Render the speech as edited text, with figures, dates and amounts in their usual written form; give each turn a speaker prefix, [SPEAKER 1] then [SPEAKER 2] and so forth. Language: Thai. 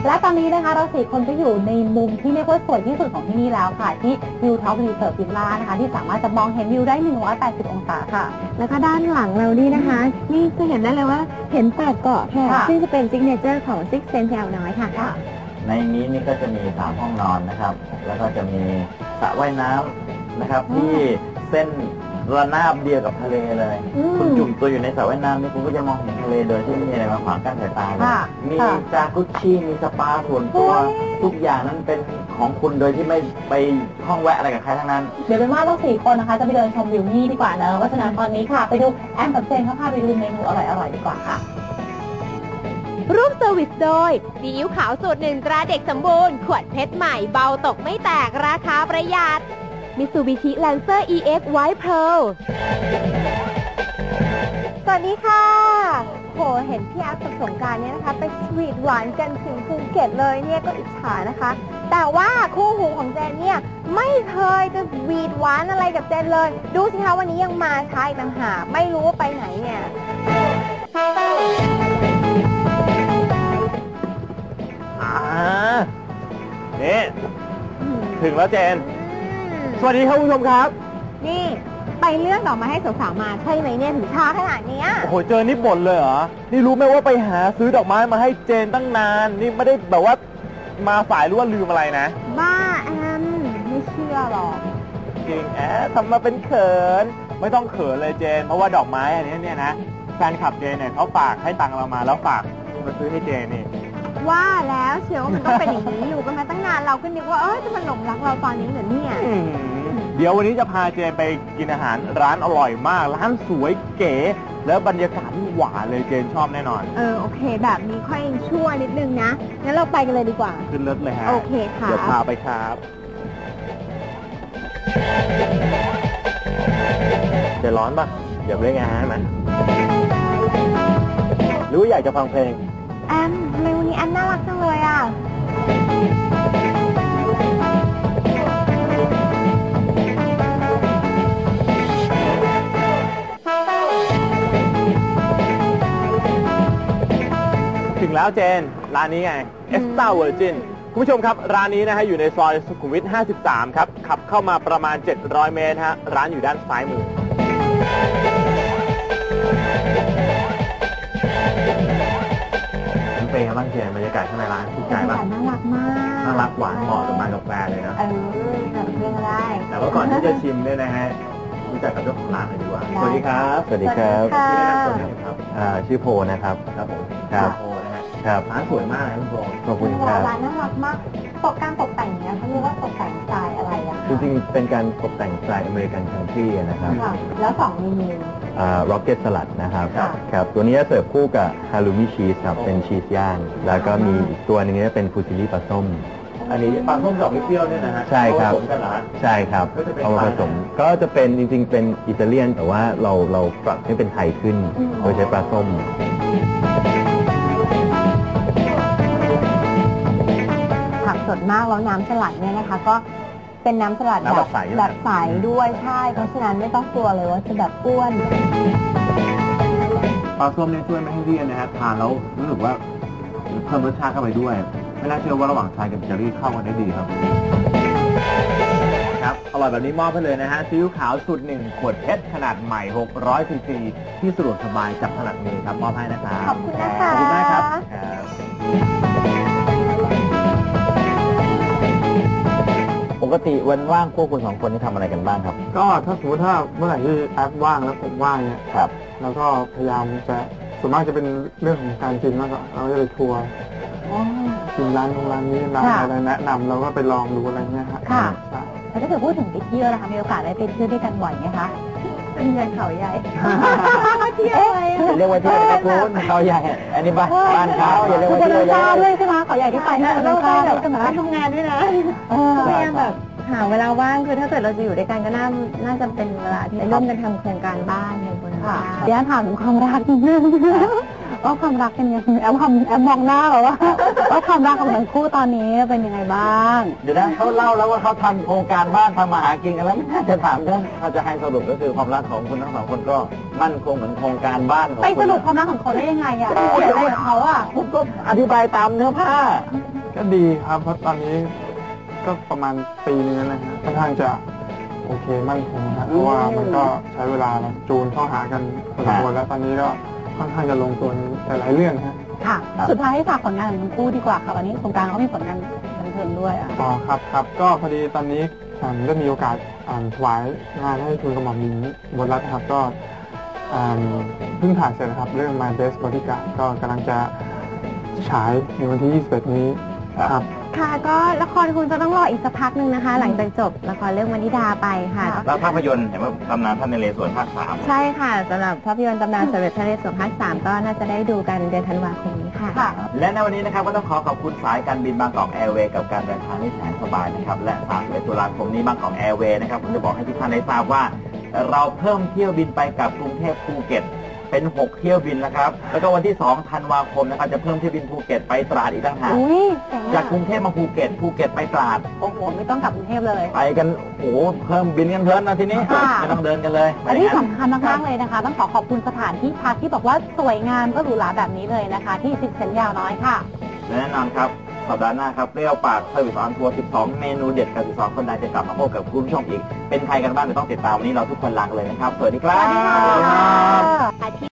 [SPEAKER 1] และตอนนี้นะคะเรา4 คนก็อยู่ในมุมที่เรียกว่าสวยที่สุดของที่นี่แล้วค่ะที่วิวท็อปรีเสิร์ฟวิลล่านะคะที่สามารถจะมองเห็นวิวได้180 องศาค่ะแล้วก็ด้านหลังเรานี่นะคะนี่จะเห็นได้เลยว่าเห็น8 เกาะค่ะซึ่งจะเป็นซิกเนเจอร์ของSix Sense แถวน้อยค่ะ
[SPEAKER 2] ในนี้นี่ก็จะมี3 ห้องนอนนะครับแล้วก็จะมีสระว่ายน้ำนะครับที่เส้นระนาบเดียวกับทะเลเลยคุณจุ่มตัวอยู่ในสระว่ายน้ำนี่คุณก็จะมองเห็นทะเลโดยที่ไม่มีอะไรมาขวางกั้นสายตาเลยมีจากุชชี่มีสปาส่วนตัวทุกอย่างนั้นเป็นของคุณโดยที่ไม่ไปห้องแวะอะไรกับใครทั้งนั้น
[SPEAKER 1] เดี๋ยวเป็นว่าเรา4 คนนะคะจะไปเดินชมวิวนี่ดีกว่านะเพราะฉะนั้นตอนนี้ค่ะไปดูแอมกับเจนเขาพาไปดูเมนูอร่อยๆดีกว่าค่ะ
[SPEAKER 3] ร่วมเซอร์วิสโดยซีอิ๊วขาวสูตร1 ตราเด็กสมบูรณ์ขวดเพชรใหม่เบาตกไม่แตกราคาประหยัดMitsubishi Lancer EX White Pearl
[SPEAKER 4] สวัสดีค่ะโหเห็นพี่แอฟกับสงกรานต์เนี่ยนะคะไปสวีทหวานกันถึงภูเก็ตเลยเนี่ยก็อิจฉานะคะแต่ว่าคู่หูของเจนเนี่ยไม่เคยจะสวีทหวานอะไรกับเจนเลยดูสิคะวันนี้ยังมาช้าอีกต่างหากไม่รู้ว่าไปไหนเนี่ย
[SPEAKER 5] นี่ถึงแล้วเจนสวัสดีครับคุณผู้ชมครับ
[SPEAKER 4] นี่ไปเลือกดอกไม้ให้สาวๆมาใช่ไหมเนี่ยถึงช้าขนาดนี้
[SPEAKER 5] โอ้โหเจอนี่บ่นเลยเหรอนี่รู้ไหมว่าไปหาซื้อดอกไม้มาให้เจนตั้งนานนี่ไม่ได้แบบว่ามาสายหรือว่าลืมอะไรนะ
[SPEAKER 4] บ้าแอมไม่เชื่อหรอก
[SPEAKER 5] จริงทำมาเป็นเขินไม่ต้องเขินเลยเจนเพราะว่าดอกไม้อันนี้เนี่ยนะแฟนคลับเจนเนี่ยเขาฝากให้ตังเรามาแล้วฝากมาซื้อให้เจนนี่
[SPEAKER 4] ว่าแล้วเชียวมันต้องเป็นอย่างนี้อยู่กันมาตั้งนานเราก็นึกว่าจะมาหลงรักเราตอนนี้เหรอเนี่ย
[SPEAKER 5] เดี๋ยววันนี้จะพาเจนไปกินอาหารร้านอร่อยมากร้านสวยเก๋แล้วบรรยากาศหวานเลยเจนชอบแน่นอน
[SPEAKER 4] โอเคแบบนี้ค่อยชั่วนิดนึงนะงั้นเราไปกันเลยดีกว่า
[SPEAKER 5] ขึ้นรถเลยฮะ
[SPEAKER 4] โอเคค่ะ
[SPEAKER 5] เดี๋ยวพาไปครับจะร้อนปะเดี๋ยวเล่นงานไหมหรือว่าอยากจะฟังเพลง
[SPEAKER 4] แอมทำไมวันนี้แอมน่ารักจังเลยอ่ะ
[SPEAKER 5] ถึงแล้วเจนร้านนี้ไง Extra Virgin คุณผู้ชมครับร้านนี้นะฮะอยู่ในซอยสุขุมวิท 53 ครับขับเข้ามาประมาณ700 เมตรฮะร้านอยู่ด้านซ้ายมือเป็นไงบ้างเจนบรรยากาศข้างในร้านถูกใจป่ะ
[SPEAKER 4] น่ารักมาก
[SPEAKER 5] น่ารักหวานเหมาะกับกาแฟเลยนะ
[SPEAKER 4] แบบเรื่องได้
[SPEAKER 5] แต่ว่าก่อนที่จะชิมเนี่ยนะฮะรู้จักกับเจ้าของร้านหน่อยดีกว่าสวัสดีครับ
[SPEAKER 2] สวัสดีครับ
[SPEAKER 5] ชื่อแนะนำตัวหน่อยครับ
[SPEAKER 2] ชื่อโพนะครับ
[SPEAKER 5] ครับผม
[SPEAKER 2] ครับ
[SPEAKER 5] โพนะฮะ
[SPEAKER 2] ครับ
[SPEAKER 5] ร้านสวยมากเลยคุณโพ
[SPEAKER 2] ขอบคุณครับ
[SPEAKER 4] ร้านน่ารักมากการตกแต่งเนี่ยเขาเรียกว่าตกแต่งสไตล์อะไรอะ
[SPEAKER 2] จริงๆเป็นการตกแต่งสไตล์อเมริกันคันทรีนะครับ
[SPEAKER 4] แล้ว2 เมนู
[SPEAKER 2] ร็อกเก็ตสลัดนะครับครับตัวนี้เสิร์ฟคู่กับฮาลูมิชีสครับเป็นชีสย่างแล้วก็มีอีกตัวนึงนี้เป็นฟูซิลี่ปลาส้ม
[SPEAKER 5] อันนี้ปลาส้มดอกเปรี้ยวเนี่ยนะฮะ
[SPEAKER 2] ใช่ครับใช่ครับเอามาผสมก็จะเป็นจริงๆเป็นอิตาเลียนแต่ว่าเราปรับให้เป็นไทยขึ้นโดยใช้ปลาส้ม
[SPEAKER 4] ผักสดมากแล้วน้ำสลัดเนี่ยนะคะก็เป็นน้ำสลัดแบบใสด้วยใช่เพราะฉะนั้นไม่ต้องกลัวเลยว่าจะแบบอ้วน
[SPEAKER 5] ปลาส้มเนี่ยช่วยไม่ให้เลี่ยนนะฮะทานแล้วรู้สึกว่าเพิ่มรสชาติเข้าไปด้วยไม่น่าเชื่อว่าระหว่างชายกับเจอรี่เข้ากันได้ดีครับครับอร่อยแบบนี้มอบให้เลยนะฮะซีอิ๊วขาวสูตร1 ขวดเพชรขนาดใหม่600 ซีซีที่สะดวกสบายจับถนัดมือครับมอบให้นะครับ
[SPEAKER 4] ขอบคุณนะคะ
[SPEAKER 5] ขอบคุณมากครับ
[SPEAKER 2] ปกติวันว่างพวกคุณ2 คนนี่ทำอะไรกันบ้างครับ
[SPEAKER 6] ก็ถ้าสมมติถ้าเมื่อไหร่ที่แอปว่างแล้วผมว่างเนี่ย
[SPEAKER 2] ครับ
[SPEAKER 6] แล้วก็พยายามจะส่วนมากจะเป็นเรื่องของการกินมากกว่าเราจะไปทัวร์กินร้านนี้ร้านอะไรแนะนำเราก็ไปลองดูอะไรเงี้ย
[SPEAKER 1] ค่ะแล้วถ้าเกิดพูดถึงไปเที่ยวนะคะมีโอกาสได้ไปเที่ยวด้วยกันบ่อยไหมคะเป็นยังเขาใหญ่เที่ยวอะไร
[SPEAKER 2] เรียกว่าเที่ยวคุณเขาใหญ่อันนี้บ้านเขาอย่าเรียกว่าเที่ยวใหญ่
[SPEAKER 1] ด้วยใช่ไหมเขาใหญ่ที่ไปนะเราไปแบบทำงานด้วยนะ
[SPEAKER 4] พยายามแบบหาเวลาว่างคือถ้าเกิดเราจะอยู่ด้วยกันก็น่าจะเป็นเวลาที่ร่วมกันทำโครงการบ้านในบนบ้าน
[SPEAKER 1] เดี๋ยวถามถึงความรักนิดนึงว่าความรักเป็นยังไงแอมมองหน้าแบบว่าความรักของทั้งคู่ตอนนี้เป็นยังไงบ้าง
[SPEAKER 2] เดี๋ยวนะเขาเล่าแล้วว่าเขาทำโครงการบ้านทำมาหากินกันแล้วไม่น่าจะถามเรื่องเขาจะให้สรุปก็คือความรักของคุณทั้งสองคนก็มั่นคงเหมือนโครงการบ้านของ
[SPEAKER 1] ไป
[SPEAKER 2] คุณ
[SPEAKER 1] สรุปความรักของเขาได้ยังไงอ่ะเขียนอะไรกับเขาอ่ะ
[SPEAKER 2] ผมก็อธิบายตามเนื้อผ้า
[SPEAKER 6] ก็ดีครับเพราะตอนนี้ก็ประมาณปีนึงแล้วนะฮะค่อนข้างจะโอเคมั่นคงนะเพราะว่ามันก็ใช้เวลาจูนเข้าหากันพอสมควรแล้วตอนนี้ก็ค่อนข้างจะลงตัวในหลายๆเรื่องฮะ
[SPEAKER 1] ค่ะ สุดท้ายให้ฝากผลงานของทั้งคู่ดีกว่าค่ะวันนี้สงกรานต์เขามีผลงานบันเทิงด้วยอ่ะ
[SPEAKER 6] อ๋อครับก็พอดีตอนนี้ได้มีโอกาสถวายงานให้ทุนกระหม่อมหญิงบนรัฐครับก็เพิ่งถ่ายเสร็จนะครับเรื่อง My Best Bodyguard ก็กำลังจะฉายในวันที่ 21 นี้ครับ
[SPEAKER 4] ค่ะก็ละครคุณจะต้องรออีกสักพักหนึ่งนะคะ หลังจากจบละครเรื่องวนิดาไปค่ะ
[SPEAKER 2] แล้วภาพยนตร์เห็นว่าตำนานพระนเรศวรภาค 3
[SPEAKER 4] ใช่ค่ะสำหรับภาพยนตร์ตำนานสมเด็จพระนเรศวรภาค 3 ก็น่าจะได้ดูกันเดือนธันวาคมนี้ค่ะ
[SPEAKER 2] และในวันนี้นะครับก็ต้องขอบคุณสายการบินบางกอกแอร์เวย์กับการเดินทางที่แสนสบายนะครับและ31 ตุลาคมนี้บางกอกแอร์เวย์นะครับผมจะบอกให้ทุกท่านได้ทราบว่า เราเพิ่มเที่ยวบินไปกับกรุงเทพภูเก็ตเป็น 6 เที่ยวบินนะครับแล้วก็วันที่ 2 ธันวาคมนะครับจะเพิ่มเที่ยวบินภูเก็ตไปตราดอีกต่างหาก
[SPEAKER 1] อุ้ย
[SPEAKER 2] จากกรุงเทพมาภูเก็ตไปตราด
[SPEAKER 1] โอ้โหไม่ต้องกลับกรุงเทพเลย
[SPEAKER 2] ไปกันโอ้โหเพิ่มบินกันเพลินนะทีนี้
[SPEAKER 1] ค่ะ
[SPEAKER 2] ไม่ต้องเดินกันเลย
[SPEAKER 1] และที่สำคัญมากๆเลยนะคะ ต้องขอบคุณสถานที่พักที่บอกว่าสวยงามก็หรูหราแบบนี้เลยนะคะ ที่ซิกเซนยาวน้อยค่ะ
[SPEAKER 2] และแน่นอนครับสัปดาห์หน้าครับเปรี้ยวปากเซอร์วิสออนทัวร์ 12 เมนูเด็ดกับ12 คนใดจะกลับมาพบกับคุณผู้ชมอีกเป็นใครกันบ้างเดี๋ยวต้องติดตามวันนี้เราทุกคนลากันเลยนะครับสวัสดีครับ
[SPEAKER 1] สวัสดีค่ะ